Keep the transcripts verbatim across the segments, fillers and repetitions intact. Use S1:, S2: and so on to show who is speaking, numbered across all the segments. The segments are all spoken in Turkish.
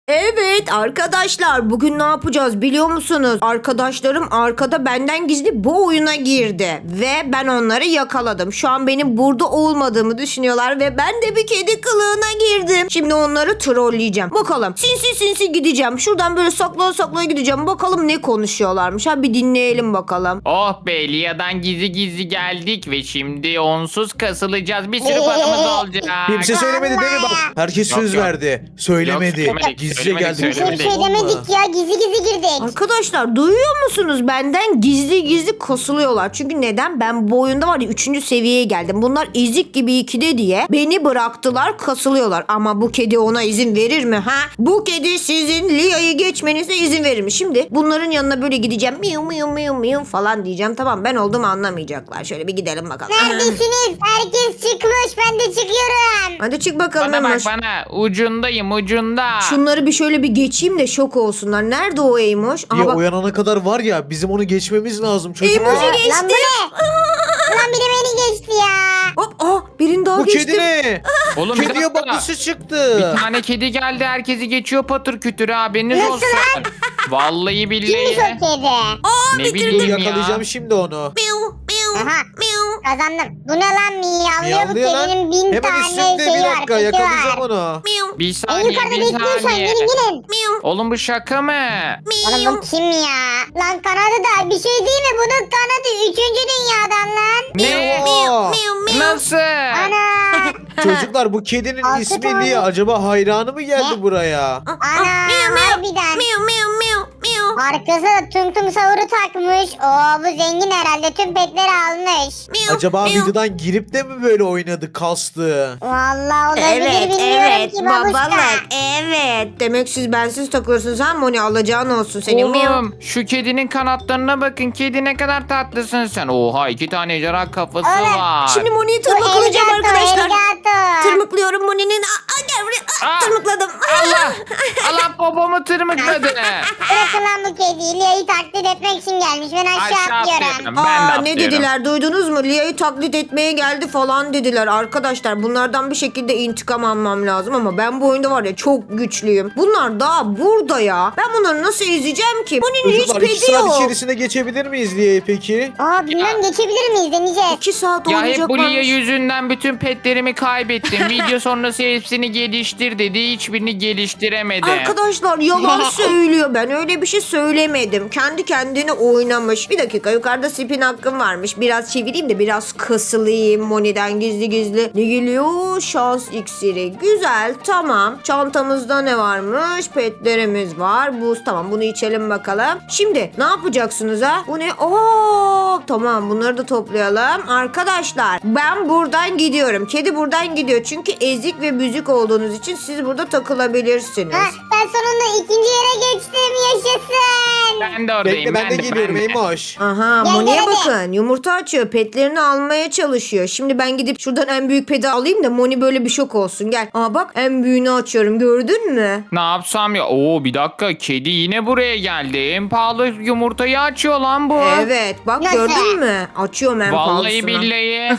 S1: Evet arkadaşlar, bugün ne yapacağız biliyor musunuz? Arkadaşlarım arkada benden gizli bu oyuna girdi ve ben onları yakaladım. Şu an benim burada olmadığımı düşünüyorlar ve ben de bir kedi kılığına girdim. Şimdi onları trolleyeceğim. Bakalım sinsi sinsi gideceğim. Şuradan böyle saklaya saklaya gideceğim. Bakalım ne konuşuyorlarmış. Ha bir dinleyelim bakalım.
S2: Oh be, Lia'dan gizli gizli geldik ve şimdi onsuz kasılacağız. Bir sürü paramız olacak.
S3: Kimse söylemedi değil mi bak? Herkes
S2: Yok,
S3: söz
S2: yok.
S3: verdi. Söylemedi.
S2: Yok, söylemedik,
S3: Gizlice
S2: söylemedik,
S3: geldi.
S4: Kimse bir
S2: söylemedik.
S4: şey demedik ya. Gizli gizli girdik.
S1: Arkadaşlar duyuyor musunuz? Benden gizli gizli kasılıyorlar. Çünkü neden? Ben bu oyunda var ya üçüncü seviyeye geldim. Bunlar ezik gibi ikide diye beni bıraktılar, kasılıyorlar. Ama bu kedi ona izin verir mi ha? Bu kedi sizin Lia'yı geçmenize izin verir mi? Şimdi bunların yanına böyle gideceğim. Miu miu miu miu falan diyeceğim. Tamam, ben olduğumu anlamayacaklar. Şöyle bir gidelim bakalım.
S4: Neredesiniz? Herkes çıkmış. Ben de çıkıyorum.
S1: Hadi çık bakalım
S2: Bana bak
S1: Emoş.
S2: bana. Ucundayım ucunda.
S1: Şunları bir şöyle bir geçeyim de şok olsunlar. Nerede o Emoş? Aha
S3: Ya
S1: bak.
S3: uyanana kadar var ya bizim onu geçmemiz lazım çocuklar.
S1: Emoji
S4: Lan
S1: geçti.
S4: bu ne? Lan biri beni geçti ya.
S1: Hop, ah birini daha
S3: Bu
S1: geçtim.
S3: kedi ne?
S2: Oğlum bir
S3: Kediye
S2: dakika.
S3: bak nasıl çıktı.
S2: Bir tane kedi geldi, herkesi geçiyor patır kütür, haberiniz
S4: Nasıl
S2: olsun. Vallahi
S4: Kimmiş
S2: billahi.
S4: o kedi?
S1: Aa
S2: Ne
S1: bitirdim.
S2: bileyim ya.
S3: Yakalayacağım şimdi onu.
S1: Miu miu
S4: Aha.
S1: miu.
S4: Kazandım. Bu ne lan miyavlıyor? Bu
S3: Miyavlıyor lan.
S4: kedinin bin
S3: Hemen
S4: tane
S3: üstünde
S4: şeyi
S3: bir
S4: var.
S3: dakika
S4: peki
S3: yakalayacağım
S4: var.
S3: onu.
S1: Miu
S2: Bir
S4: En
S2: saniye
S4: yukarıda
S2: bir
S4: bekliyor şu an.
S2: saniye.
S4: Gelin gelin.
S1: miu
S2: Oğlum bu şaka mı?
S4: Oğlum
S1: miu.
S4: bu kim ya? Lan kanadı da bir şey değil mi? Bunun kanadı üçüncü dünyadan lan.
S2: Ne?
S1: Miu miu miu.
S2: Nasıl?
S4: Ana.
S3: Çocuklar bu kedinin
S4: Altı
S3: ismi
S4: tane.
S3: Lia. Acaba hayranı mı geldi
S4: Ne?
S3: buraya?
S4: Ana.
S1: Miu miu.
S4: Harbiden.
S1: Miu miu miu miu.
S4: Arkasına da tum tum savuru takmış. Oo bu zengin herhalde. Tüm petleri almış.
S1: Miu,
S3: Acaba
S1: miu.
S3: videodan girip de mi böyle oynadı kastı?
S4: Vallahi olabilir
S1: Evet
S4: bilmiyorum
S1: evet
S4: ki babuşka.
S1: babalar evet. Demek siz bensiz takılıyorsunuz ha Moni, alacağın olsun senin. Miu.
S2: Oğlum şu kedinin kanatlarına bakın. Kedi ne kadar tatlısın sen. Oha, iki tane ejderha kafası
S4: Oğlum,
S2: var.
S1: Şimdi Moni'yi
S4: Bu
S1: tırmıklayacağım
S4: Elgato,
S1: arkadaşlar.
S4: Elgato.
S1: Tırmıklıyorum Moni'nin. Aa, aa, gel buraya. Aa,
S2: Aa,
S1: tırmıkladım.
S2: Allah! Allah popomu tırmıkladı.
S4: Bırakın lan bu kediyi. Lia'yı taklit etmek için gelmiş. Ben aşağı,
S2: Aşağı
S4: atlıyorum.
S2: atlıyorum. Ben de
S1: Aa, ne
S2: atlıyorum.
S1: dediler duydunuz mu? Lia'yı taklit etmeye geldi falan dediler. Arkadaşlar bunlardan bir şekilde intikam almam lazım ama ben bu oyunda var ya çok güçlüyüm. Bunlar daha burada ya. Ben bunları nasıl ezeceğim ki? Moni'nin hiç
S3: Çocuklar iki
S1: pedi
S3: saat
S1: yok.
S3: içerisinde geçebilir miyiz Lia'yı peki?
S4: Aa bilmem geçebilir miyiz deneyeceğiz.
S1: İki saat
S2: Ya hep
S1: olacak
S2: bu Lia
S1: varmış.
S2: yüzünden bütün petlerimi kaybettim. Video sonrası hepsini geliştir dedi. Hiçbirini geliştiremedi.
S1: Arkadaşlar yalan söylüyor. Ben öyle bir şey söylemedim. Kendi kendine oynamış. Bir dakika, yukarıda spin hakkım varmış. Biraz çevireyim de biraz kasılayım. Moni'den gizli gizli. Ne geliyor? Şans iksiri. Güzel, tamam. Çantamızda ne varmış? Petlerimiz var. Buz, tamam, bunu içelim bakalım. Şimdi ne yapacaksınız ha? Bu ne? Oo, tamam, bunları da toplayalım. Arkadaşlar ben buradan gidiyorum. Kedi buradan gidiyor. Çünkü ezik ve büzük olduğunuz için siz burada takılabilirsiniz.
S4: Ha, ben sonunda ikinci yere geçtim. Yaşasın.
S2: Ben de oradayım.
S3: Bekle ben de geliyorum
S2: ben de.
S3: Eymoş.
S1: Aha,
S4: Gel,
S1: Moni'ye
S4: gel, hadi.
S1: bakın. Yumurta açıyor. Petlerini almaya çalışıyor. Şimdi ben gidip şuradan en büyük peti alayım da Moni böyle bir şok olsun. Gel. Aa bak, en büyüğünü açıyorum. Gördün mü?
S2: Ne yapsam ya? Oo bir dakika, kedi yine buraya geldi. En pahalı yumurtayı açıyor lan bu.
S1: Evet. Bak
S4: Nasıl?
S1: gördün mü? Açıyorum en
S2: Vallahi
S1: pahalısını.
S2: billahi.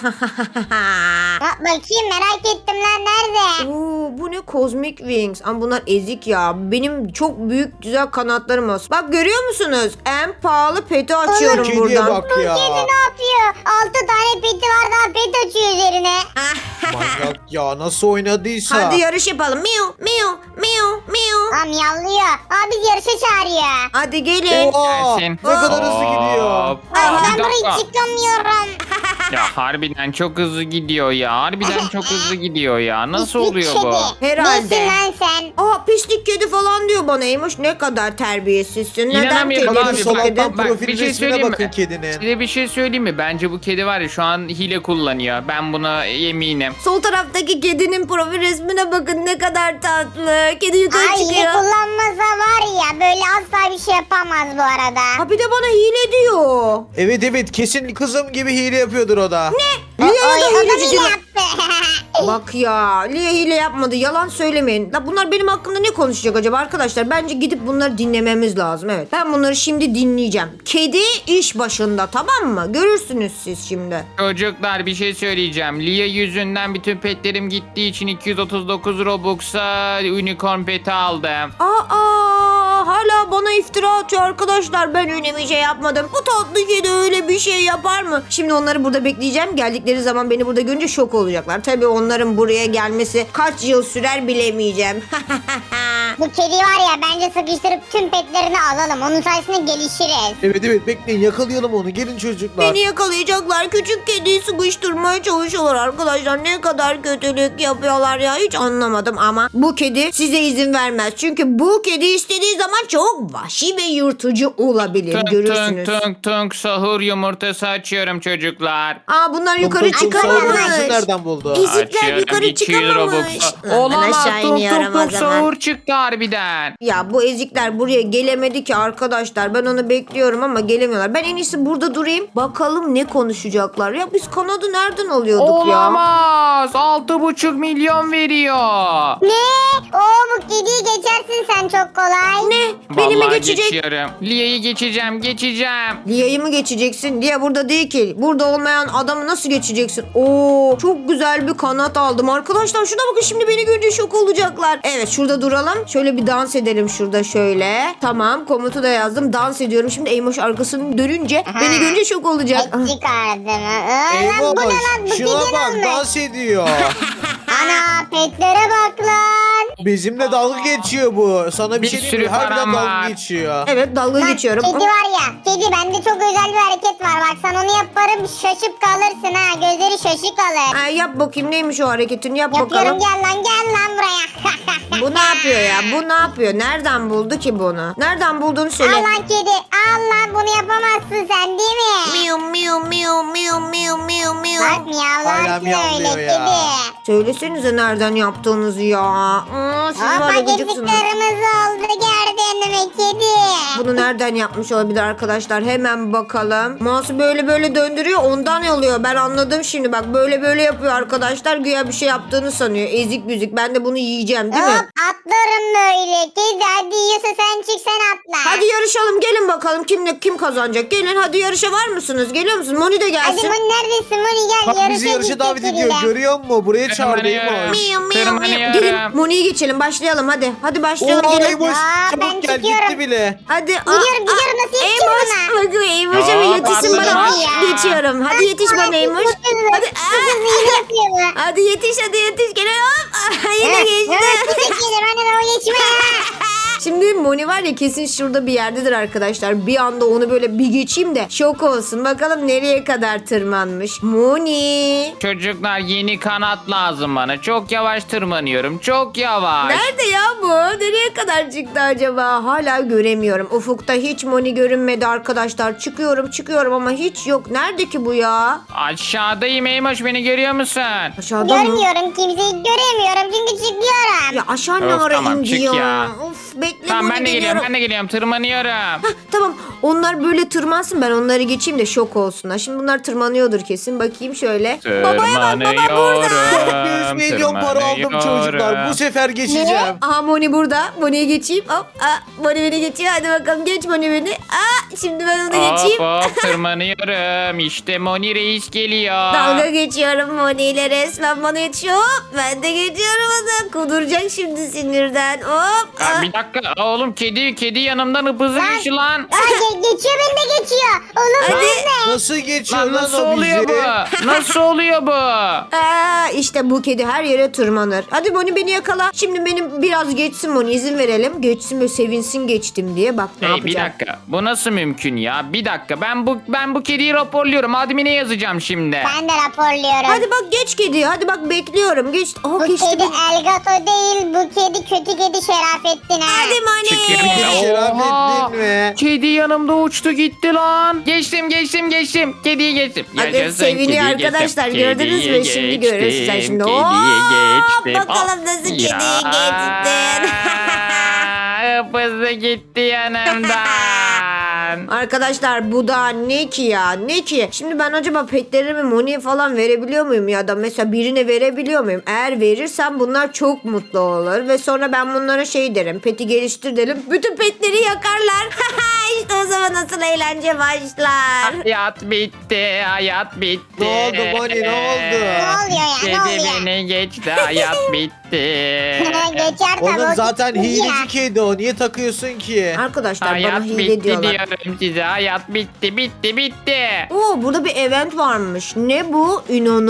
S4: Ha, bakayım merak ettim lan nerede?
S1: Oo, bu ne? Cosmic Wings. Ama bunlar ezik ya. Benim çok büyük güzel kanatlarım olsun. Bak görüyor musunuz? En pahalı peti açıyorum
S3: Kediye
S1: buradan.
S3: bak ya.
S4: Kedi ne yapıyor? Altı tane peti var daha pet açıyor üzerine.
S3: Manyak ya nasıl oynadıysa.
S1: Hadi yarış yapalım. Miu miu miu miu.
S4: Ha miyavlıyor. Aa biz yarışa çağırıyor.
S1: Hadi gelin.
S3: Oha,
S2: Gelsin.
S3: ne kadar hızlı gidiyor.
S2: Hop.
S4: Ay
S2: Aa,
S4: ben
S2: bir
S4: burayı
S2: dakika.
S4: çıkamıyorum.
S2: Ya harbiden çok hızlı gidiyor ya. Harbiden çok hızlı gidiyor ya. Nasıl
S4: Pislik
S2: oluyor
S4: kedi.
S2: bu?
S1: Herhalde.
S4: Nesin lan sen?
S1: Aa, pislik kedi falan diyor bana Eymuş. Ne kadar terbiyesizsin. Neden
S2: İnanamıyorum
S1: kedi
S2: abi.
S1: pislik
S2: Bak,
S1: kedi?
S2: bak, bak,
S3: Profil
S2: bir şey
S3: resmine
S2: söyleyeyim
S3: bakın
S2: mi?
S3: kedinin.
S2: Size bir şey söyleyeyim mi? Bence bu kedi var ya şu an hile kullanıyor. Ben buna eminim.
S1: Sol taraftaki kedinin profil resmine bakın, ne kadar tatlı. Kedi yukarı
S4: Ay
S1: çıkıyor.
S4: kullanmasa var ya öyle asla bir şey yapamaz bu arada.
S1: Ha bir de bana hile diyor.
S3: Evet evet kesin kızım gibi hile yapıyordur o da.
S1: Lia
S4: O,
S1: ya
S4: o
S1: da
S4: da
S1: hileci
S4: hile
S1: diyor.
S4: yaptı.
S1: Bak ya Lia hile yapmadı yalan söylemeyin. La bunlar benim hakkımda ne konuşacak acaba arkadaşlar? Bence gidip bunları dinlememiz lazım. Evet ben bunları şimdi dinleyeceğim. Kedi iş başında tamam mı? Görürsünüz siz şimdi.
S2: Çocuklar bir şey söyleyeceğim. Lia yüzünden bütün petlerim gittiği için iki yüz otuz dokuz Robux'a unicorn peti aldım.
S1: Aa hala bana iftira atıyor arkadaşlar. Ben öyle bir şey yapmadım. Bu tatlı kedi öyle bir şey yapar mı? Şimdi onları burada bekleyeceğim. Geldikleri zaman beni burada görünce şok olacaklar. Tabii onların buraya gelmesi kaç yıl sürer bilemeyeceğim.
S4: Bu kedi var ya bence sıkıştırıp tüm petlerini alalım. Onun sayesinde gelişiriz.
S3: Evet evet bekleyin yakalayalım onu. Gelin çocuklar.
S1: Beni yakalayacaklar. Küçük kediyi sıkıştırmaya çalışıyorlar arkadaşlar. Ne kadar kötülük yapıyorlar ya. Hiç anlamadım ama bu kedi size izin vermez. Çünkü bu kedi istediği zaman çok vahşi ve yırtıcı olabilir.
S2: Tunk
S1: Görürsünüz.
S2: tunk tunk tunk sahur yumurtası açıyorum çocuklar.
S1: Aa bunlar
S3: Tum
S1: yukarı
S3: tum tum sahur
S1: çıkamamış.
S3: yumurtasını nereden buldu?
S1: İzikler
S2: Açıyorum,
S1: yukarı
S2: iki yüz
S1: çıkamamış.
S2: Robux'a.
S1: Lan ben
S2: Olamaz
S1: aşağı
S2: tunk
S1: iniyorum
S2: tunk
S1: o
S2: tunk
S1: zaman.
S2: sahur çıktı harbiden.
S1: Ya bu ezikler buraya gelemedi ki arkadaşlar. Ben onu bekliyorum ama gelemiyorlar. Ben en iyisi burada durayım. Bakalım ne konuşacaklar. Ya biz kanadı nereden alıyorduk ya?
S2: Olamaz. Altı buçuk milyon veriyor.
S4: Ne? Oo bu kediyi geçersin sen çok kolay.
S1: Ne? Beni mi
S2: Vallahi
S1: geçecek?
S2: geçiyorum. Lia'yı geçeceğim geçeceğim.
S1: Lia'yı mı geçeceksin? Lia burada değil ki. Burada olmayan adamı nasıl geçeceksin? Oo, çok güzel bir kanat aldım. Arkadaşlar şuna bakın şimdi beni görünce şok olacaklar. Evet şurada duralım. Şöyle bir dans edelim şurada şöyle. Tamam komutu da yazdım. Dans ediyorum. Şimdi Eymoş arkasını dönünce beni görünce şok olacak.
S4: Et çıkardım. Aa, lan
S3: Eyvah
S4: bu ne lan? Bu kedi
S3: şuna bak
S4: olmuş.
S3: dans ediyor.
S4: Ana petlere bak lan.
S3: Bizimle dalga geçiyor bu. Sana bir,
S2: Bir
S3: şey diyeyim
S2: sürü
S3: mi? Harbiden
S2: param
S3: dalga
S2: var.
S3: geçiyor.
S1: Evet dalga
S4: Lan
S1: geçiyorum.
S4: kedi var ya. Kedi bende çok özel bir hareket var. Bak sen onu yaparım şaşıp kalırsın ha. Gözleri şaşık kalır.
S1: Ay, yap bakayım neymiş o hareketini yap
S4: Yapıyorum
S1: bakalım.
S4: gel lan gel lan buraya.
S1: Bu ne yapıyor ya? Bu ne yapıyor? Nereden buldu ki bunu? Nereden bulduğunu söyle.
S4: Al lan kedi. Al lan bunu yapamazsın sen değil mi?
S1: Miu miu miu miu miu miu miu.
S4: Bak miyavlarsın
S3: Hala miyavlıyor
S4: öyle
S3: ya.
S4: kedi.
S1: Söylesenize nereden yaptığınızı ya. Hmm, siz var ya
S4: Hoppa gözü
S1: gıcıksınız.
S4: kırmızı oldu gördün mü kedi?
S1: Bunu nereden yapmış olabilir arkadaşlar? Hemen bakalım. Mouse'u böyle böyle döndürüyor ondan oluyor. Ben anladım şimdi bak böyle böyle yapıyor arkadaşlar. Güya bir şey yaptığını sanıyor. Ezik büzük. Ben de bunu yiyeceğim değil
S4: Hop
S1: mi?
S4: atlarım böyle. Kedi hadi yiyorsa sen çık sen atla.
S1: Hadi yarışalım gelin bakalım kim kim kazanacak. Gelin hadi yarışa var mısınız? Geliyor musun? Moni de
S4: Hadi
S1: gelsin.
S4: Moni neredesin Moni gel
S3: Bak
S4: yarışa
S3: bizi yarışa
S4: gidecek
S3: davet ediyor.
S4: kediyle.
S3: Görüyor musun? Buraya çağırdı
S2: Tırmanıyorum.
S3: Eymoş.
S1: Miu miu miu.
S2: Tırmanıyorum.
S1: Gelin Moni'yi geçelim başlayalım hadi. Hadi başlayalım
S3: Oo
S1: gelin.
S3: Eymoş
S4: Aa, ben
S3: çabuk gel
S4: çıkıyorum.
S3: gitti bile.
S1: Hadi.
S4: Gidiyorum, gidiyorum. Nasıl yetişiyorum ona?
S1: Bakın Eymoş'a bir
S2: Aa,
S1: yetişsin
S2: pardon
S1: bana.
S2: ya.
S1: Geçiyorum. Hadi yetiş bana Eymoş. Hadi. Aa,
S4: Hızlı yapıyor bu.
S1: hadi yetiş hadi yetiş. Gel hop. Ah, Yine geçti.
S4: Nasıl geçelim hani o geçme.
S1: Şimdi Moni var ya kesin şurada bir yerdedir arkadaşlar. Bir anda onu böyle bir geçeyim de şok olsun. Bakalım nereye kadar tırmanmış. Moni.
S2: Çocuklar yeni kanat lazım bana. Çok yavaş tırmanıyorum. Çok yavaş.
S1: Nerede ya bu? Nereye kadar çıktı acaba? Hala göremiyorum. Ufukta hiç Moni görünmedi arkadaşlar. Çıkıyorum çıkıyorum ama hiç yok. Nerede ki bu ya?
S2: Aşağıdayım Eymoş beni görüyor musun?
S1: Aşağıda mı?
S4: Görmüyorum kimseyi göremiyorum çünkü çıkıyorum.
S1: Ya aşağı ne
S2: Of,
S1: ara
S2: tamam,
S1: indi
S2: çık
S1: ya?
S2: ya.
S1: Of bekle
S2: Tamam
S1: Moni
S2: ben de geliyorum
S1: geliyorum.
S2: ben de geliyorum tırmanıyorum.
S1: Hah, tamam onlar böyle tırmansın ben onları geçeyim de şok olsunlar. Şimdi bunlar tırmanıyordur kesin. Bakayım şöyle. Babaya bak baba burada.
S3: yüz milyon para aldım çocuklar. Bu sefer geçeceğim.
S1: Aha Moni burada. Moni'yi geçeyim. Hop. Aa, Moni beni geçiyor. Hadi bakalım geç Moni beni. Aa, şimdi ben onu
S2: Hop
S1: geçeyim.
S2: hop tırmanıyorum. İşte Moni Reis geliyor.
S1: Dalga geçiyorum Moni ile resmen bana yetişiyor. Hop, ben de geçiyorum onu. Kuduracak şimdi sinirden. Hop.
S2: Aa,
S1: Aa.
S2: bir dakika Aa, oğlum kedi kedi yanımdan hıpızı geçti lan.
S4: Aa, ge- geçiyor beni de geçiyor. Oğlum
S1: Hadi.
S4: ben de.
S3: Nasıl geçiyor
S2: Lan
S3: lan
S2: nasıl
S3: o
S2: oluyor
S3: bizi?
S2: bu? Nasıl oluyor bu?
S1: Aa, işte bu kedi her yere tırmanır. Hadi Moni beni yakala. Şimdi benim biraz geçsin Moni izin verelim. Geçsin böyle sevinsin geçtim diye. Bak ne
S2: Hey, bir
S1: yapacak.
S2: dakika. Bu nasıl mümkün ya? Bir dakika. Ben bu ben bu kediyi raporluyorum. Admine yazacağım şimdi.
S4: Ben de raporluyorum.
S1: Hadi bak geç kedi. Hadi bak bekliyorum. Geç. Oh,
S4: Bu
S1: geçti.
S4: kedi Elgato değil, bu kedi kötü kedi Şerafettin ha.
S1: Hadi Moni.
S2: Çıkıyorum.
S3: Şerafettin mi?
S2: Kedi yanımda uçtu gitti lan. Geçtim geçtim geçtim. Kediyi geçtim.
S1: Hadi
S2: Yaşasın,
S1: seviniyor
S2: kediyi
S1: arkadaşlar.
S2: geçtim.
S1: Gördünüz mü?
S2: Kediyi
S1: Şimdi
S2: geçtim,
S1: görürsün sen şimdi.
S2: Kediyi
S1: Oo,
S2: geçtim.
S1: bakalım nasıl kediyi geçtin.
S2: Ya, kapısı gitti yanımdan.
S1: Arkadaşlar bu da ne ki ya, ne ki? Şimdi ben acaba petlerimi Moni'ye falan verebiliyor muyum ya da mesela birine verebiliyor muyum? Eğer verirsem bunlar çok mutlu olur ve sonra ben bunlara şey derim, peti geliştir derim, bütün petleri yakarlar. İşte o zaman nasıl eğlence başlar.
S2: Hayat bitti, hayat bitti.
S3: Ne oldu Moni, ne oldu?
S4: Ne oluyor ya,
S2: Kedi
S4: ne oluyor?
S2: beni geçti, hayat bitti.
S4: Geçer tabii.
S3: Oğlum
S4: o
S3: zaten
S4: gitti ya.
S3: hileci kedi o. Niye takıyorsun ki?
S1: Arkadaşlar
S2: Hayat
S1: bana hile
S2: bitti
S1: diyorlar.
S2: diyorum size, hayat bitti, bitti, bitti.
S1: Oo, burada bir event varmış. Ne bu?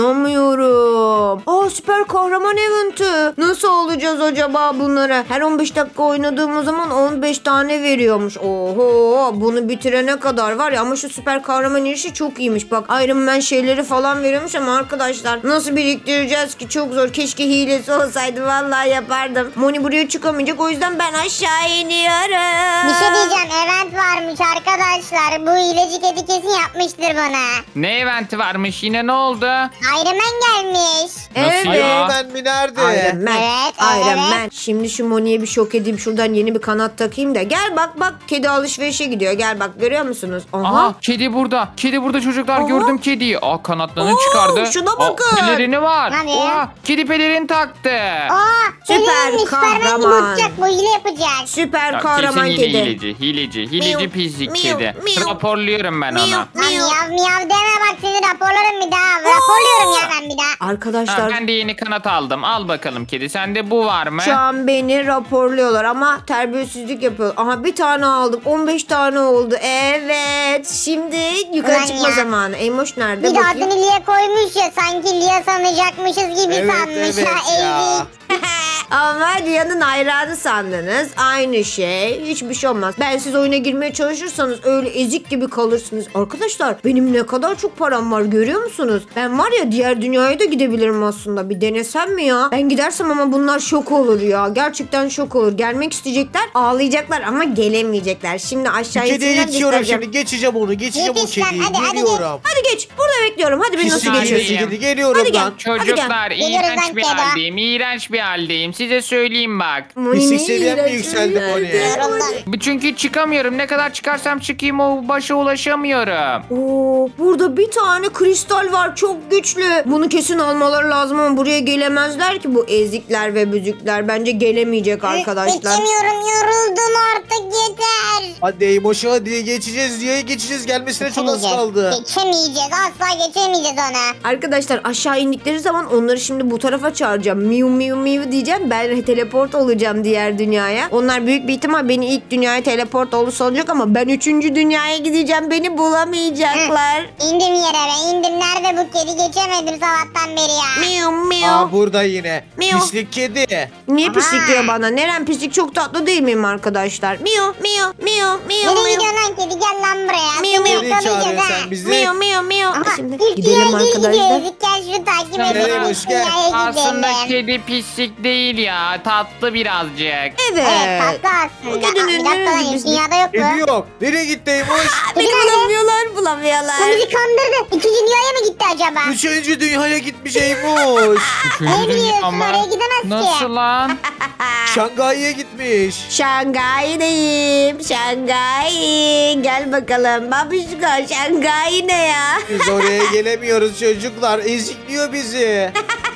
S1: İnanamıyorum. Aa, süper kahraman eventi. Nasıl olacağız acaba bunlara? Her on beş dakika oynadığımız zaman on beş tane veriyormuş. Oho, bunu bitirene kadar var ya, ama şu süper kahraman işi çok iyiymiş. Bak, Iron Man şeyleri falan veriyormuş ama arkadaşlar nasıl biriktireceğiz ki? Çok zor. Keşke hilesi olsaydı, vallahi yapardım. Moni buraya çıkamayacak, o yüzden ben aşağı iniyorum.
S4: Bir şey diyeceğim, event varmış arkadaşlar. Bu hileci kedi kesin yapmıştır bana.
S2: Ne eventi varmış yine, ne oldu?
S4: Iron Man gelmiş.
S1: Evet.
S2: Nasıl ya?
S3: Ben mi nerede?
S1: Iron Man.
S4: Evet,
S1: Iron
S4: evet.
S1: Man. Şimdi şu Moni'ye bir şok edeyim. Şuradan yeni bir kanat takayım da. Gel bak bak. Kedi alışverişe gidiyor. Gel bak, görüyor musunuz? Aha.
S2: Aha, kedi burada. Kedi burada çocuklar,
S1: Aha.
S2: gördüm kediyi. Aa, kanatlarını
S1: Oo,
S2: çıkardı.
S1: şuna
S2: Aa,
S1: bakın.
S2: pelerini var.
S4: Hadi.
S2: Oha, kedi pelerini taktı.
S4: Aa,
S1: Süper
S4: Süper Süperman gibi
S1: kahraman.
S4: uçacak, bu hile yapacak.
S1: Süper
S2: Ya,
S1: kahraman
S2: kesin yine
S1: kedi.
S2: hileci, hileci, hileci
S1: Miyav,
S2: pislik
S1: miyav,
S2: kedi.
S1: miyav.
S2: Raporluyorum ben
S1: Miyav.
S2: ona.
S4: Lan miyav miyav deme, bak seni raporlarım bir daha. Raporluyorum ya ben bir daha.
S2: Ha,
S1: Arkadaşlar
S2: ben de yeni kanat aldım. Al bakalım kedi. Sende bu var mı?
S1: şu an beni raporluyorlar ama terbiyesizlik yapıyor. Aha, bir tane aldım. on beş tane oldu. Evet. Şimdi yukarı
S4: Ulan
S1: çıkma
S4: ya.
S1: zamanı. Eymoş nerede?
S4: Bir de
S1: Bakayım.
S4: adını Lia koymuş ya, sanki Lia sanacakmışız gibi
S3: Evet,
S4: sanmış
S3: evet
S4: ya.
S3: ya.
S4: Ezik.
S1: Ama Lia'nın hayranı sandınız. Aynı şey. Hiçbir şey olmaz. Ben siz oyuna girmeye çalışırsanız öyle ezik gibi kalırsınız. Arkadaşlar, benim ne kadar çok param var görüyor musunuz? Ben var ya, diğer dünyaya da gidebilirim aslında. Bir denesem mi ya? Ben gidersem ama bunlar şok olur ya. Gerçekten şok olur. Gelmek isteyecekler, ağlayacaklar ama gelemeyecekler. Şimdi aşağı
S3: Kediye
S1: insinler,
S3: geçiyorum
S1: göstereceğim.
S3: şimdi. Geçeceğim onu. Geçeceğim o
S4: Yetiş lan,
S3: kediyi.
S4: hadi, hadi
S3: Geliyorum.
S1: Hadi geç. Burada bekliyorum. Hadi beni nasıl
S3: Pislik
S2: geçiyorsun?
S3: kedi
S1: geçiyorsun?
S3: kedi. Geliyorum
S1: Hadi gel.
S3: lan.
S2: Çocuklar,
S4: Geliyoruz
S2: iğrenç
S4: lan
S2: bir
S4: kedi.
S2: haldeyim. İğrenç bir haldeyim. Size söyleyeyim bak.
S3: Pislik seviyen mi yükseldi Moni?
S4: Yoruldu.
S2: Çünkü çıkamıyorum. Ne kadar çıkarsam çıkayım o başa ulaşamıyorum.
S1: Oo, burada bir tane kristal var, çok güçlü. Bunu kesin almaları lazım ama buraya gelemezler ki bu ezikler ve büzükler. Bence gelemeyecek arkadaşlar.
S4: Geçemiyorum, yoruldum artık, yeter.
S3: Hadi Eymoş'a hadi geçeceğiz diye geçeceğiz. Gelmesine çok az kaldı.
S4: Geçemeyeceğiz, asla geçemeyeceğiz ona.
S1: Arkadaşlar, aşağı indikleri zaman onları şimdi bu tarafa çağıracağım. Miu miu miu diyeceğim. Ben teleport olacağım diğer dünyaya. Onlar büyük bir ihtimal beni ilk dünyaya teleport olursa olacak ama ben üçüncü dünyaya gideceğim. Beni bulamayacaklar.
S4: İndim yere be, indim. Nerede bu kedi? Geçemedim sabahtan beri ya.
S1: Miu miu.
S3: Aa burada yine.
S1: Miyav.
S3: Pislik kedi.
S1: Niye
S4: Aha.
S1: pislik diyor bana? Neren pislik, çok tatlı değil miyim arkadaşlar? Miu miu miu miu
S4: Nereye
S1: miu.
S4: gidiyorsun lan kedi? Gel lan buraya.
S1: Miyav,
S4: Seni
S1: miyav.
S3: Nereye
S4: yakalayacağız
S3: çağırıyorsun
S4: ha.
S3: sen bizi?
S1: Miu miu miu.
S4: Aha,
S1: Şimdi
S4: ilk
S1: gidelim
S4: dünyaya geri
S1: arkadaşlar.
S4: gidiyoruz. İlk gel şunu takip
S2: Nereye
S4: edelim.
S3: boş gel?
S4: Dünyaya
S2: Aslında
S4: gidelim.
S2: kedi pislik değil ya. Tatlı birazcık.
S1: Evet.
S4: Evet, tatlı
S1: Bu
S4: aslında.
S1: kedinin
S4: Aa, bir dakika lan,
S1: neresi
S4: ilk dünyada yok
S3: Kedi
S4: mu?
S3: yok. Nereye gitti Eymoş?
S1: Beni
S4: Kedi nerede?
S1: bulamıyorlar, bulamıyorlar.
S4: Bu bizi kandırdı. İkinci dünyaya mı gitti acaba?
S3: Üçüncü dünyaya gitmiş Eymoş.
S2: Üçüncü
S4: Ne biliyorsun,
S2: dünya mı?
S4: oraya gidemez ki.
S2: Nasıl lan?
S3: Şangay'a gitmiş.
S1: Şangay'dayım. Şangay. Gel bakalım. Babişko, Şangay ne ya?
S3: Biz oraya gelemiyoruz çocuklar. Ezikliyor bizi.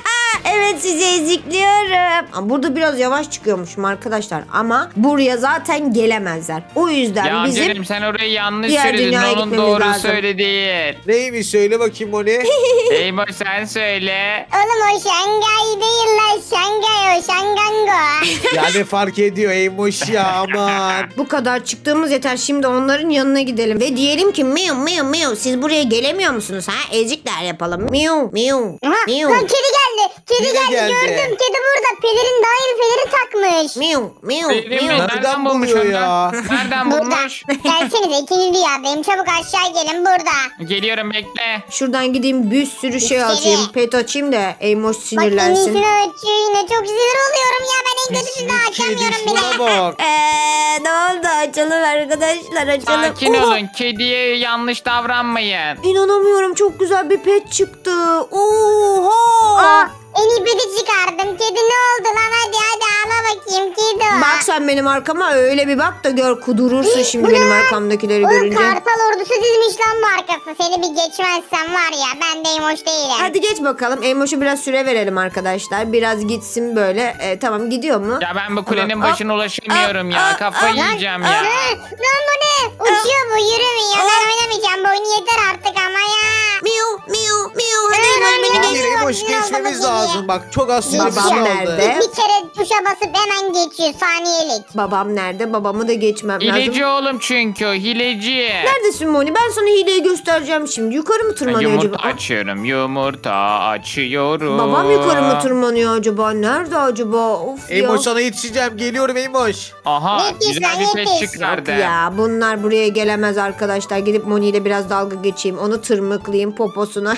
S1: Evet, sizi ezikliyorum. Ama burada biraz yavaş çıkıyormuşum arkadaşlar. Ama buraya zaten gelemezler. O yüzden
S2: Ya
S1: bizim...
S2: canım, sen orayı yanlış
S1: diğer
S2: söyledin.
S1: dünyaya
S2: Onun
S1: gitmemiz
S2: doğru
S1: lazım.
S2: söyle değil.
S3: Neymiş söyle bakayım Moni.
S2: Eymoş, sen söyle.
S4: Oğlum o Şangay değil lan. Şangay o. Şangango.
S3: Yani fark ediyor Eymoş ya aman.
S1: Bu kadar çıktığımız yeter. Şimdi onların yanına gidelim. Ve diyelim ki miu miu miu. Siz buraya gelemiyor musunuz ha? Ezikler yapalım. Miu miu
S4: Aha,
S1: miu.
S4: lan kedi geldi. Kedi
S3: Yine
S4: geldi.
S3: geldi.
S4: Gördüm. Kedi burada. Pelerin daha yeni peleri takmış.
S1: Miu miu
S2: Benim mi?
S1: miu.
S3: Nereden
S2: Nereden bulmuş
S3: buluyor
S2: onu?
S3: ya?
S2: Nereden
S4: Burada.
S2: bulmuş?
S4: Gelsenize, ikinci dünyadayım. Çabuk aşağı gelin, burada.
S2: Geliyorum, bekle.
S1: Şuradan gideyim, bir sürü şey
S4: İçeri.
S1: açayım. Pet açayım da Eymoş
S4: Bak en
S1: sinirlensin.
S4: iyisini ölçüyor yine. Çok sinir oluyorum ya. Ben en kötüsünü
S3: Pislik
S4: açamıyorum
S3: kedi
S4: bile.
S3: şuna bak.
S1: Eee ne oldu? Açalım arkadaşlar, açalım.
S2: Sakin
S1: Oha!
S2: olun. Kediye yanlış davranmayın.
S1: İnanamıyorum, çok güzel bir pet çıktı. Oha!
S4: Aa, En iyi peti çıkardım. Kedi ne oldu lan? Hadi hadi ağla bakayım kedi o.
S1: Bak sen benim arkama öyle bir bak da gör, kudurursun şimdi
S4: Bu
S1: benim
S4: ne?
S1: arkamdakileri
S4: Oğlum
S1: görünce.
S4: kartal ordusu dizmiş lan bu arkası. Seni bir geçmezsem var ya ben de hoş değilim.
S1: Hadi geç bakalım. Emoş'a biraz süre verelim arkadaşlar. Biraz gitsin böyle. E, tamam gidiyor mu?
S2: Ya ben bu kulenin
S1: Tamam.
S2: başına ulaşamıyorum
S1: Aa,
S2: ya.
S1: aa,
S2: Kafayı
S1: aa,
S2: yiyeceğim
S4: Aa,
S2: ya.
S4: lan bu ne? Uçuyor bu yürümüyor. Ben oynamayacağım bu oyunu yeter artık ama ya.
S1: Miu miu miu. Hadi
S4: Aa,
S1: Emoş beni
S4: miu.
S1: geç.
S3: Hayır Emoş
S4: Biraz da
S3: geçmemiz
S4: geriye.
S3: lazım. Bak çok az süremiz
S1: Babam
S3: kaldı.
S1: nerede?
S4: Bir kere tuşa basıp hemen geçiyor saniyelik.
S1: Babam nerede? Babamı da geçmem
S2: Hileci
S1: lazım.
S2: oğlum çünkü o hileci.
S1: Neredesin Moni? Ben sana hileyi göstereceğim şimdi. Yukarı mı
S2: Ben
S1: tırmanıyor
S2: yumurta
S1: acaba?
S2: açıyorum. Yumurta açıyorum.
S1: Babam yukarı mı tırmanıyor acaba? Nerede acaba? Of ya.
S3: Emoş sana yetişeceğim. Geliyorum Emoş.
S2: Aha
S4: Yetiş
S2: güzel
S4: lan,
S2: bir pet
S4: yetiş.
S2: çıkardı.
S1: Yok ya bunlar buraya gelemez arkadaşlar. Gidip Moni ile biraz dalga geçeyim. Onu tırmıklayayım poposuna.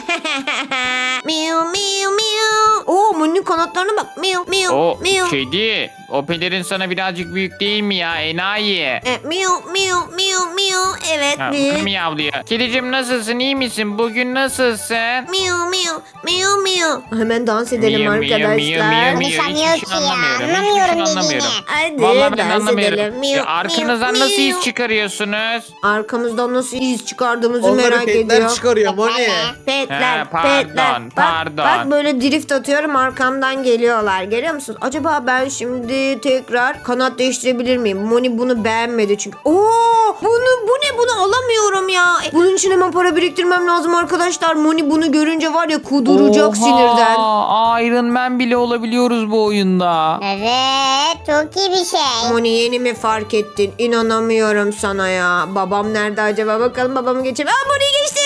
S1: Miu miu miu. Oo Moni'nin kanatlarına bak. Miu miu
S2: O
S1: miu.
S2: kedi. O pelerin sana birazcık büyük değil mi ya enayi?
S1: E, miu miu miu miu. Evet
S2: Ha,
S1: mi?
S2: miyavlıyor. Kedicim nasılsın iyi misin? Bugün nasılsın?
S1: Miu miu miu miu. Hemen dans edelim
S2: Miu, miu,
S1: arkadaşlar.
S2: miu, miu, miu.
S4: Konuşamıyor
S2: Hiçbir
S4: ki
S2: şey
S4: ya.
S2: anlamıyorum.
S4: Anlamıyorum
S2: Hiçbir şey
S4: dediğini.
S2: anlamıyorum.
S1: Hadi
S2: Vallahi ben
S1: dans
S2: anlamıyorum.
S1: edelim. Miu,
S2: Ya arkanızdan
S1: miu,
S2: nasıl
S1: miu.
S2: iz çıkarıyorsunuz?
S1: Arkamızdan nasıl iz çıkardığımızı
S3: Onları
S1: merak
S3: petler
S1: ediyor.
S3: çıkarıyor Moni.
S1: Petler,
S2: He, pardon,
S1: petler. Bak,
S2: pardon.
S1: bak böyle drift atıyorum arkamdan geliyorlar. Görüyor musunuz? Acaba ben şimdi tekrar kanat değiştirebilir miyim? Moni bunu beğenmedi çünkü. Oo, bunu bu ne? Bunu alamıyorum ya. E, Bunun için hemen para biriktirmem lazım arkadaşlar. Moni bunu görünce var ya kuduracak sinirden.
S2: Oha, Iron Man bile olabiliyoruz bu oyunda.
S4: Evet çok iyi bir şey.
S1: Moni yeni mi fark ettin? İnanamıyorum sana ya. Babam nerede acaba? Bakalım babamı geçelim. Aa Moni'yi geçtim.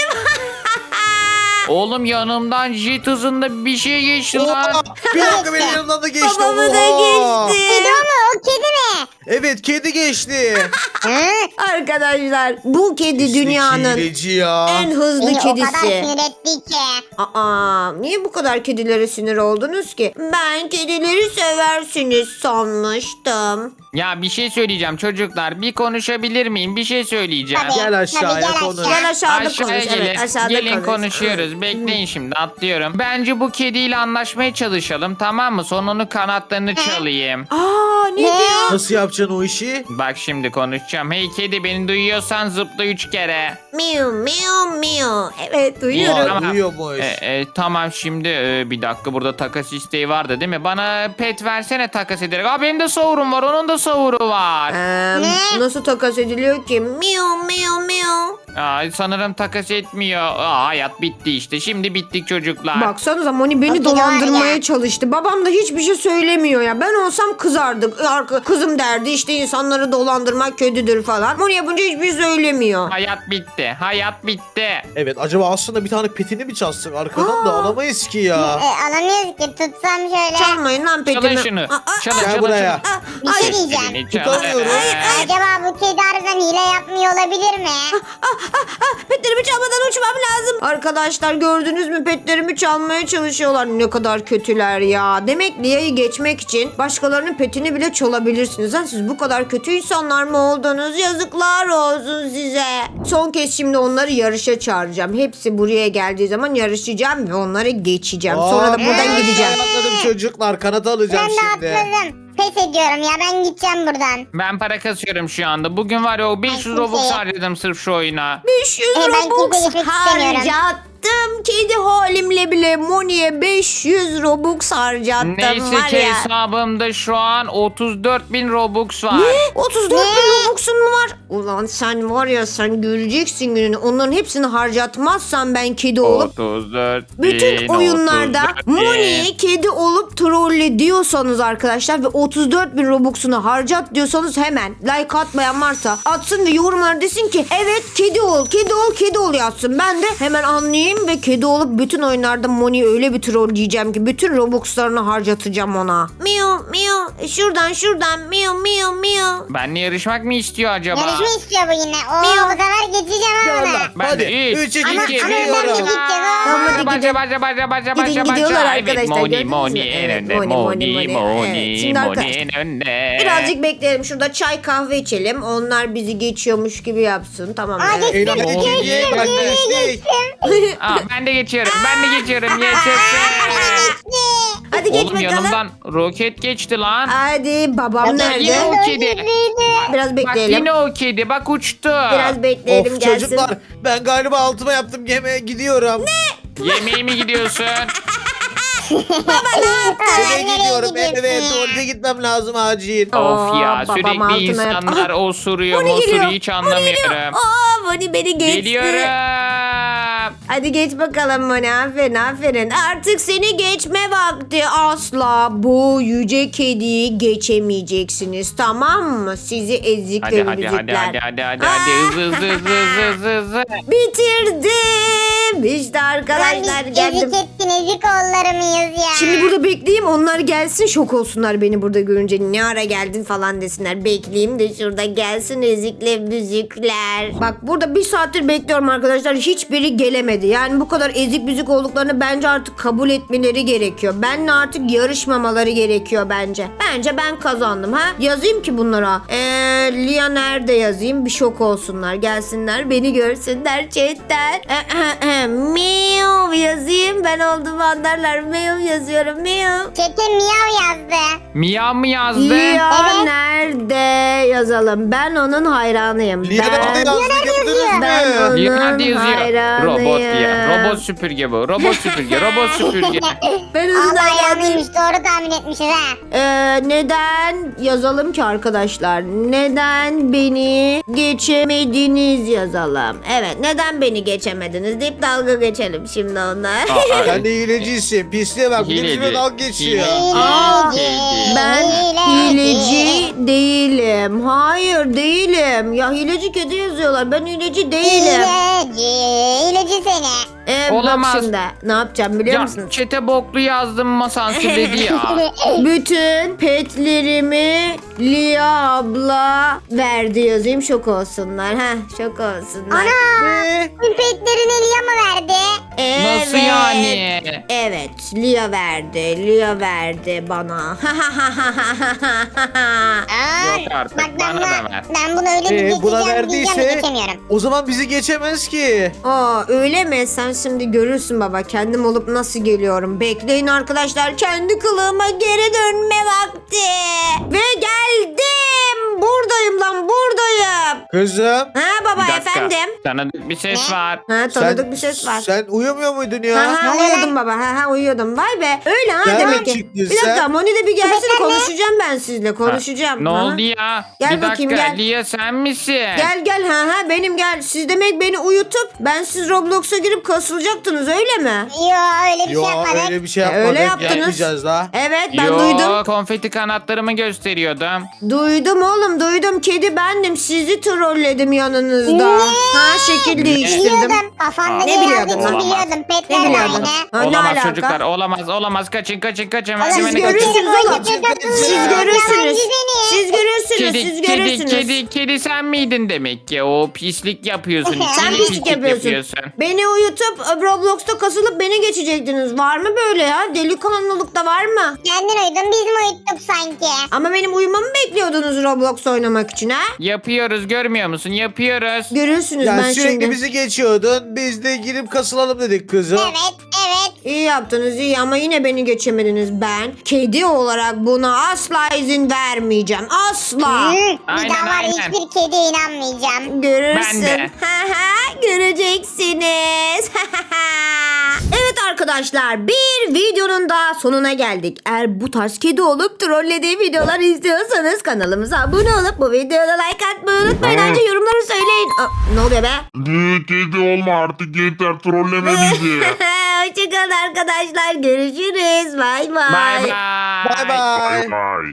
S2: Oğlum yanımdan jet hızında bir şey geçti lan.
S3: Oha, bir dakika benim yanımdan da geçti.
S1: Babamı da
S3: Oha.
S1: geçti.
S4: Kedi o mu? O kedi mi?
S3: Evet kedi geçti.
S4: Hı?
S1: Arkadaşlar bu kedi
S3: Pislik
S1: dünyanın
S3: hileci ya.
S1: en hızlı
S4: Beni o kadar
S1: kedisi.
S4: sinir etti ki.
S1: Aa, niye bu kadar kedilere sinir oldunuz ki? Ben kedileri seversiniz sanmıştım.
S2: Ya bir şey söyleyeceğim çocuklar. Bir konuşabilir miyim? Bir şey söyleyeceğim.
S4: Tabii.
S3: Gel aşağıya
S4: Tabii, gel
S3: konuş.
S4: aşağı.
S1: Gel aşağıda
S2: Aşağıya
S1: konuş.
S2: gelin.
S1: Evet, aşağıda
S2: gelin
S1: konuş.
S2: konuşuyoruz. Bekleyin şimdi atlıyorum. Bence bu kediyle anlaşmaya çalışalım tamam mı? Sonra onun kanatlarını çalayım.
S1: Aa, ne
S4: Ne?
S1: diyor?
S3: Nasıl yapacaksın o işi?
S2: Bak şimdi konuşacağım. Hey kedi beni duyuyorsan zıpla üç kere.
S1: Miu miu miu. Evet duyuyorum.
S3: Vay,
S2: Tamam.
S3: duyuyormuş.
S2: E, e, tamam şimdi e, bir dakika burada takas isteği vardı değil mi? Bana pet versene takas ederek. Aa benim de savurum var onun da savuru var.
S1: Ee,
S4: Ne?
S1: nasıl takas ediliyor ki? Miu miu miu.
S2: Aa, sanırım takas etmiyor. Aa, hayat bitti işte. Şimdi bittik çocuklar.
S1: Baksanıza Moni beni
S4: Bakın
S1: dolandırmaya
S4: var ya.
S1: çalıştı. Babam da hiçbir şey söylemiyor ya. Ben olsam kızardık. Arka, kızım derdi işte insanları dolandırmak kötüdür falan. Moni yapınca hiçbir şey söylemiyor.
S2: Hayat bitti. Hayat bitti.
S3: Evet acaba aslında bir tane petini mi çalsak arkadan da alamayız ki ya.
S4: E, alamıyoruz ki tutsam şöyle.
S1: Çalmayın lan petimi.
S2: Çalın şunu.
S1: Aa, aa,
S2: Çalın
S3: Gel
S2: çalın
S3: buraya.
S2: çalın.
S1: aa,
S4: Bir
S1: ay,
S4: şey diyeceğim.
S2: Elini çal.
S3: Tutamıyoruz.
S2: Ee,
S4: Acaba bu kedi harbiden hile yapmıyor olabilir mi?
S1: ah, petlerimi çalmadan uçmam lazım. Arkadaşlar gördünüz mü petlerimi çalmaya çalışıyorlar. Ne kadar kötüler ya. Demek Lia'yı geçmek için başkalarının petini bile çalabilirsiniz. Lan siz bu kadar kötü insanlar mı oldunuz? Yazıklar olsun size. Son kez şimdi onları yarışa çağıracağım. Hepsi buraya geldiği zaman yarışacağım ve onları geçeceğim. Sonra da
S3: Aa,
S1: buradan
S3: ben
S1: gideceğim.
S3: Atladım çocuklar kanat alacağım
S4: Ben de
S3: şimdi.
S4: atladım. Pes ediyorum ya ben gideceğim buradan.
S2: Ben para kasıyorum şu anda. Bugün var ya o beş yüz
S4: Ay,
S2: Robux
S4: kimseye-
S2: harcadım sırf şu oyuna.
S1: beş yüz
S4: E, ben
S1: Robux
S4: kimse geçmek istemiyorum.
S1: harcattım. Kedi halimle bile Moni'ye beş yüz Robux harcattım.
S2: Neyse
S1: var
S2: ki
S1: ya.
S2: hesabımda şu an otuz dört bin Robux var.
S1: Ne? otuz dört bin Robux'un mu var? Ulan sen var ya sen göreceksin gününü. Onların hepsini harcatmazsan ben kedi olup
S2: otuz dört bin.
S1: bütün oyunlarda
S2: otuz dört bin.
S1: Moni'yi kedi olup trolle diyorsanız arkadaşlar ve otuz dört bin Robux'unu harcat diyorsanız hemen like atmayan varsa atsın ve yorumlara desin ki evet kedi ol, kedi ol, kedi ol yazsın. Ben de hemen anlayayım ve kedi olup bütün oyunlarda Moni'yi öyle bir trolleyeceğim ki bütün Robux'larını harcatacağım ona. Miu miu şuradan şuradan miu miu miu.
S2: Benle yarışmak mı istiyor acaba?
S4: Yarışma istiyor bu yine. Oo
S1: Miyav.
S4: bu sefer geçeceğim ha
S3: Yallah.
S4: ona.
S2: Ben
S3: Hadi.
S2: de üç,
S3: Üç, iki,
S4: Ama,
S3: iki,
S4: ama ben de
S3: gidiyorum.
S4: gideceğim.
S1: Tamam,
S4: Aa.
S1: hadi
S2: Başa
S1: gidin.
S2: başa başa başa
S1: Gidin
S2: başa
S1: gidiyorlar
S2: başa. Evet
S1: arkadaşlar,
S2: Moni
S1: gördünüz mü?
S2: Moni en
S1: Evet,
S2: önde.
S1: Moni, Moni,
S2: Moni
S1: Moni. Evet,
S2: Moni
S1: şimdi
S2: Moni
S1: arkadaşlar-
S2: en önde.
S1: Birazcık bekleyelim. Şurada çay kahve içelim. Onlar bizi geçiyormuş gibi yapsın. Tamam mı?
S4: Aa,
S1: Evet.
S4: geçtim,
S3: Eğlenceli
S2: Oldu.
S3: kediye gelmiştik.
S2: Aa, ben de geçiyorum ben de geçiyorum. Yaşasın.
S4: Geçti.
S1: Hadi geç
S2: Oğlum
S1: bakalım.
S2: yanımdan roket geçti lan.
S1: Hadi babam
S2: Ya
S1: nerede?
S2: yine o kedi.
S1: Biraz
S2: Bak
S1: bekleyelim.
S2: yine o kedi. Bak uçtu.
S1: Biraz bekleyelim
S3: Of
S1: gelsin.
S3: çocuklar ben galiba altıma yaptım yemeğe gidiyorum.
S2: Yemeğe mi gidiyorsun?
S3: Eve
S4: nereye
S3: gidiyorum
S4: gidiyorsun
S3: eve
S4: ya?
S3: tuvalete gitmem lazım acil.
S2: Of ya
S1: Aa, babam
S2: sürekli
S1: altına
S2: insanlar
S1: yap-
S2: osuruyor
S1: Moni geliyor.
S2: osuruyor hiç
S1: Moni geliyor.
S2: anlamıyorum.
S1: Aa Moni beni geçti.
S2: Geliyorum.
S1: Hadi geç bakalım Moni. Aferin aferin. Artık seni geçme vakti. Asla bu yüce kediyi geçemeyeceksiniz. Tamam mı? Sizi ezikler
S2: Hadi hadi hadi
S1: müzikler.
S2: hadi hadi hadi hadi hızlı hızlı hızlı hızlı hızlı hızlı.
S1: Bitirdim. İşte arkadaşlar
S4: Biz
S1: geldim.
S4: ezik ettin ezik oğulları mıyız ya?
S1: Şimdi burada bekleyeyim, onlar gelsin, şok olsunlar beni burada görünce, ne ara geldin falan desinler. Bekleyeyim de şurada gelsin ezikle müzikler. Bak burada bir saattir bekliyorum arkadaşlar, hiçbiri gelemedi. Yani bu kadar ezik müzik olduklarını bence artık kabul etmeleri gerekiyor. Benle artık yarışmamaları gerekiyor bence. Bence ben kazandım ha. Yazayım ki bunlara. Eee Lia nerede yazayım, bir şok olsunlar, gelsinler beni görsünler chatten. Miyav yazayım, ben olduğumu anlarlar. Miyav yazıyorum, miyav.
S4: Çete miyav yazdı.
S2: Miyav mı yazdı?
S1: Lia
S4: Evet.
S1: nerede yazalım? Ben onun hayranıyım.
S3: Lia nerede
S1: ben,
S3: yazdı gördünüz
S1: ben
S3: mü?
S1: onun
S2: Lia nerede yazıyor?
S1: hayranıyım.
S2: Robot ya. Robot süpürge bu. Robot süpürge. Robot süpürge.
S1: Ben onun
S4: Allah
S1: hayranıyım.
S4: yanlıymış doğru tahmin etmişiz ha.
S1: Ee, neden yazalım ki arkadaşlar? Neden beni geçemediniz yazalım. Evet, neden beni geçemediniz deyip dalga geçelim şimdi onlar.
S2: Aa,
S3: Sen de hilecisin. Pisliğe bak. Bir de
S2: Hileci.
S3: bizimle dalga geçiyor.
S2: Hileci.
S1: Aa,
S2: Hileci.
S1: Ben
S4: Hileci.
S1: hileci değilim. Hayır değilim. Ya hileci kedi yazıyorlar. Ben hileci değilim.
S4: İleci, ileci seni.
S1: Ee,
S2: Olamaz.
S1: Bak şimdi ne yapacağım biliyor
S2: Ya
S1: musunuz?
S2: çete boklu yazdım ama sansürledi ya.
S1: Bütün petlerimi Lia abla verdi yazayım, şok olsunlar. Ha, şok olsunlar.
S4: Ana!
S3: Ne?
S4: Pipetlerini Lia mı verdi?
S1: Evet.
S2: Nasıl yani?
S1: Evet, Lia verdi. Lia verdi bana.
S4: Aa,
S2: Yok artık,
S4: bak ben,
S2: bana da
S4: buna-
S2: ver.
S4: ben bunu öyle bir
S3: Ee, buna
S4: geçeceğim diyeceğim de
S3: verdiyse
S4: geçemiyorum.
S3: o zaman bizi geçemez ki.
S1: Aa öyle mi? Sen şimdi görürsün baba. Kendim olup nasıl geliyorum. Bekleyin arkadaşlar. Kendi kılığıma geri dönme vakti. Ve geldim. Buradayım lan, buradayım.
S3: Kızım.
S1: Ha baba
S2: Bir dakika.
S1: efendim.
S2: Tanıdık bir ses
S4: Ne?
S2: var.
S1: Ha tanıdık bir ses var.
S3: Sen uyumuyor muydun ya?
S1: Ha ha
S4: Ne oluyor
S1: uyuyordum baba. Ha ha uyuyordum. Vay be. Öyle ha
S3: Nereden
S1: demek ki.
S3: çıktın
S1: Bir dakika
S3: sen?
S1: Moni de bir gelsin,
S4: Köpekler ne?
S1: konuşacağım ben sizle. Konuşacağım.
S2: Ne
S1: Ha.
S2: oldu ya?
S1: Gel
S2: bir
S1: bakayım,
S2: dakika.
S1: gel.
S2: Lia sen misin?
S1: Gel gel ha ha benim gel. Siz demek beni uyutup ben siz Roblox'a girip kasılacaktınız öyle mi?
S4: Yo öyle bir
S3: Yo
S4: şey yapmadık.
S3: öyle bir şey
S1: E,
S3: yapmadık.
S1: öyle yaptınız.
S3: Yapmayacağız da.
S1: Evet ben
S2: Yo,
S1: duydum.
S2: konfeti kanatlarımı gösteriyordum.
S1: Duydum oğlum duydum. Kedi bendim. Sizi trolledim yanınızda. Ha şekil değiştirdim.
S4: Biliyordum. Kafanda
S1: Ne
S4: yer
S1: biliyordun
S4: aldığını
S1: lan?
S4: biliyordum.
S1: Ne
S4: Petler de
S1: biliyordun?
S4: aynı.
S1: Ha, ne
S2: Olamaz
S1: alaka?
S2: çocuklar olamaz olamaz kaçın kaçın kaçın.
S4: Oğlum,
S2: Hemen
S1: Siz
S2: kaçın.
S1: görürsünüz oğlum.
S3: Siz
S1: Siz
S3: Ya.
S1: görürsünüz.
S4: Yalancı seni.
S1: Siz görürsünüz.
S2: Kedi,
S1: Siz
S2: kedi,
S1: görürsünüz.
S2: kedi, kedi sen miydin demek ki? O pislik yapıyorsun.
S1: Sen
S2: içine
S1: pislik yapıyorsun. Beni uyutup Roblox'ta kasılıp beni geçecektiniz. Var mı böyle ya? Delikanlılıkta var mı?
S4: Kendin uyudun biz mi uyuttuk sanki?
S1: Ama benim uyumamı bekliyordunuz Roblox oynamak için ha?
S2: Yapıyoruz görmüyor musun? Yapıyoruz.
S1: Görürsünüz
S3: Ya
S1: ben
S3: sürekli
S1: şimdi.
S3: bizi geçiyordun. Biz de girip kasılalım dedik kızım.
S4: Evet evet.
S1: İyi yaptınız iyi ama yine beni geçemediniz. Ben kedi olarak buna asla izin vermeyeceğim. Asla.
S4: Hı, bir
S2: Aynen,
S4: daha var
S2: aynen.
S4: hiçbir kediye inanmayacağım.
S1: Görürsün.
S2: Ben de.
S1: Ha ha, göreceksiniz. Evet arkadaşlar, bir videonun daha sonuna geldik. Eğer bu tarz kedi olup trollediği videolar istiyorsanız kanalımıza abone olup bu videoda like atmayı unutmayın. Ayrıca yorumları söyleyin. Aa, ne oluyor be?
S5: Ne kedi olma artık yeter trolleme bizi.
S1: Hoşçakalın arkadaşlar. Görüşürüz. Bay bay.
S2: Bye bye.
S3: Bye bye.
S5: Bye bye.